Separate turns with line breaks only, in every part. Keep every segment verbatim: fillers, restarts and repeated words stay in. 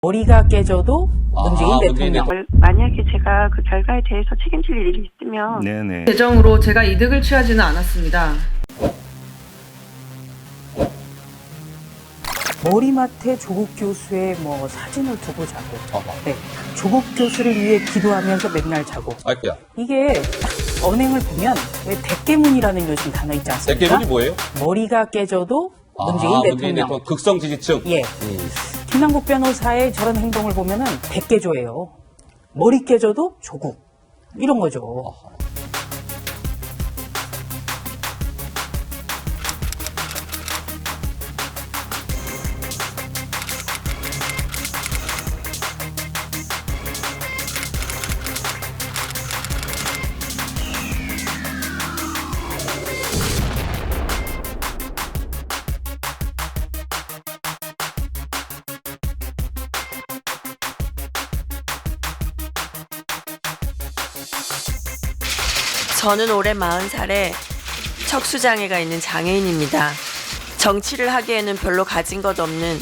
머리가 깨져도 문재인
아,
대통령.
문재인
만약에 제가 그 결과에 대해서 책임질 일이 있으면
네네.
재정으로 제가 이득을 취하지는 않았습니다.
머리맡에 조국 교수의 뭐 사진을 두고 자고,
어허.
네, 조국 교수를 위해 기도하면서 맨날 자고.
아이고야.
이게 딱 언행을 보면 왜 대깨문이라는 요즘 단어 있지 않습니까?
대깨문이 뭐예요?
머리가 깨져도 문재인
아,
대통령.
문재인 대통령 극성 지지층.
예.
음.
김남국 변호사의 저런 행동을 보면은 대깨조예요. 머리 깨져도 조국. 이런 거죠.
어허.
저는 올해 마흔 살에 척수장애가 있는 장애인입니다. 정치를 하기에는 별로 가진 것 없는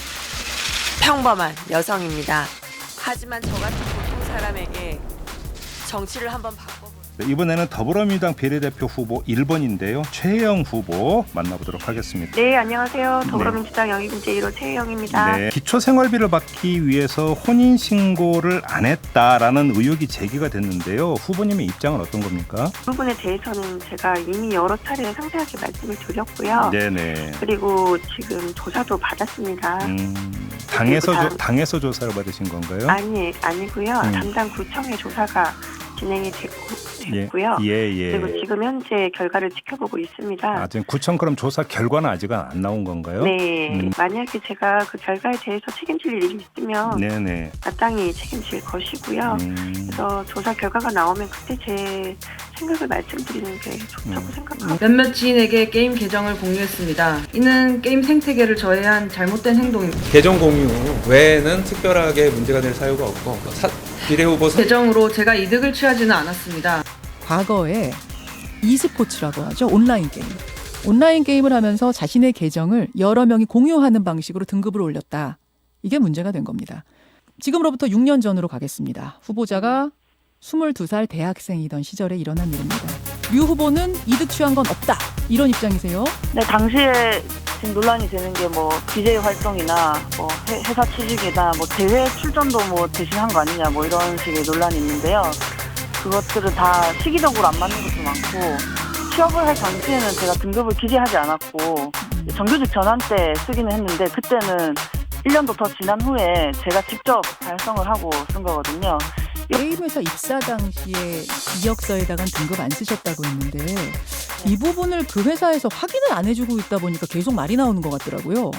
평범한 여성입니다. 하지만 저 같은 보통 사람에게 정치를 한번 바꿔보는
이번에는 더불어민주당 비례대표 후보 일 번인데요. 최혜영 후보 만나보도록 하겠습니다.
네, 안녕하세요. 더불어민주당 영입 제일 호 최혜영입니다.
네. 기초생활비를 받기 위해서 혼인신고를 안 했다라는 의혹이 제기가 됐는데요. 후보님의 입장은 어떤 겁니까?
그 부분에 대해서는 제가 이미 여러 차례 상세하게 말씀을 드렸고요.
네네.
그리고 지금 조사도 받았습니다.
음, 당에서,
그리고
조, 당에서 조사를 받으신 건가요?
아니, 아니고요.
음.
담당 구청의 조사가 진행이 됐고,
예,
됐고요.
예, 예.
그리고 지금 현재 결과를 지켜보고 있습니다.
아, 지금 구청 그럼 조사 결과는 아직은 안 나온 건가요?
네,
음.
만약에 제가 그 결과에 대해서 책임질 일이 있으면
네네.
마땅히 책임질 것이고요.
음.
그래서 조사 결과가 나오면 그때 제 생각을 말씀드리는 게 좋다고
음.
생각하고
몇몇 지인에게 게임 계정을 공유했습니다. 이는 게임 생태계를 저해한 잘못된 행동입니다.
계정 공유 외에는 특별하게 문제가 될 사유가 없고 사, 비례 후보 사,
재정으로 제가 이득을 취하지는 않았습니다.
과거에 e스포츠라고 하죠. 온라인 게임. 온라인 게임을 하면서 자신의 계정을 여러 명이 공유하는 방식으로 등급을 올렸다. 이게 문제가 된 겁니다. 지금으로부터 육 년 전으로 가겠습니다. 후보자가 스물두 살 대학생이던 시절에 일어난 일입니다. 류 후보는 이득 취한 건 없다. 이런 입장이세요?
네, 당시에 지금 논란이 되는 게 뭐 비제이 활동이나 뭐 회, 회사 취직이나 뭐 대회 출전도 뭐 대신한 거 아니냐 뭐 이런 식의 논란이 있는데요. 그것들은 다 시기적으로 안 맞는 것도 많고 취업을 할 당시에는 제가 등급을 기재하지 않았고 정규직 전환 때 쓰기는 했는데 그때는 일 년도 더 지난 후에 제가 직접 달성을 하고 쓴 거거든요.
게임회사 입사 당시에 이력서에다가 등급 안 쓰셨다고 했는데 이 부분을 그 회사에서 확인을 안 해주고 있다 보니까 계속 말이 나오는 것 같더라고요.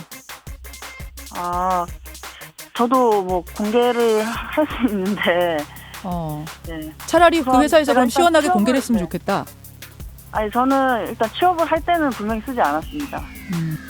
아, 저도 뭐 공개를 할 수 있는데
어,
네.
차라리 그 회사에서 그럼
일단
시원하게
취업을,
공개를 했으면
네.
좋겠다.
아니 저는 일단 취업을 할 때는 분명히 쓰지 않았습니다.
음.